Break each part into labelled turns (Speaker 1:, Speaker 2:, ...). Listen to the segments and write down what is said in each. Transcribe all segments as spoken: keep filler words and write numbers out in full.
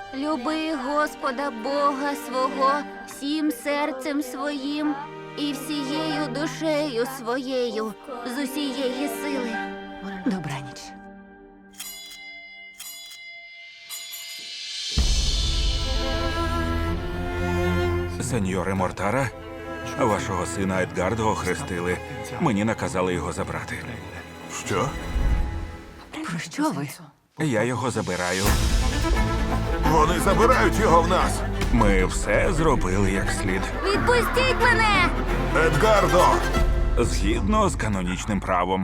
Speaker 1: Люби Господа Бога свого всім серцем своїм і всією душею своєю з усієї сили.
Speaker 2: Добраніч.
Speaker 3: Сеньоре Мортара, вашого сина Едгардо охрестили. Мені наказали його забрати.
Speaker 4: Що?
Speaker 2: Про що ви?
Speaker 3: Я його забираю.
Speaker 4: Вони забирають його в нас!
Speaker 3: Ми все зробили як слід.
Speaker 1: Відпустіть мене!
Speaker 4: Едгардо!
Speaker 3: Згідно з канонічним правом.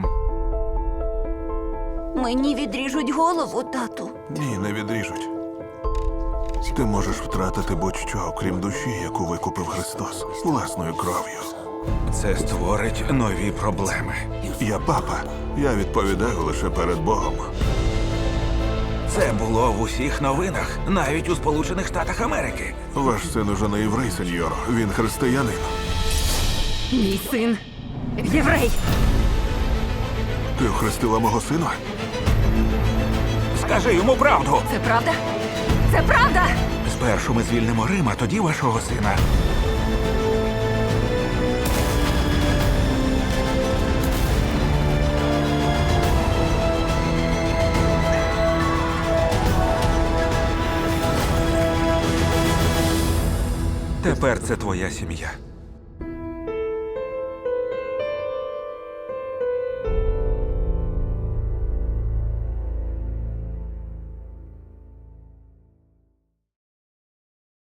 Speaker 1: Мені відріжуть голову, тату.
Speaker 4: Ні, не відріжуть. Ти можеш втратити будь-що, окрім душі, яку викупив Христос власною кров'ю.
Speaker 3: Це створить нові проблеми.
Speaker 4: Я папа. Я відповідаю лише перед Богом.
Speaker 3: Це було в усіх новинах, навіть у Сполучених Штатах Америки.
Speaker 4: Ваш син уже не єврей, сеньоро. Він християнин.
Speaker 2: Мій син єврей.
Speaker 4: Ти охрестила мого сина?
Speaker 3: Скажи йому правду.
Speaker 2: Це правда? Це правда!
Speaker 3: Спершу ми звільнимо Рим, а тоді вашого сина. Тепер це твоя сім'я.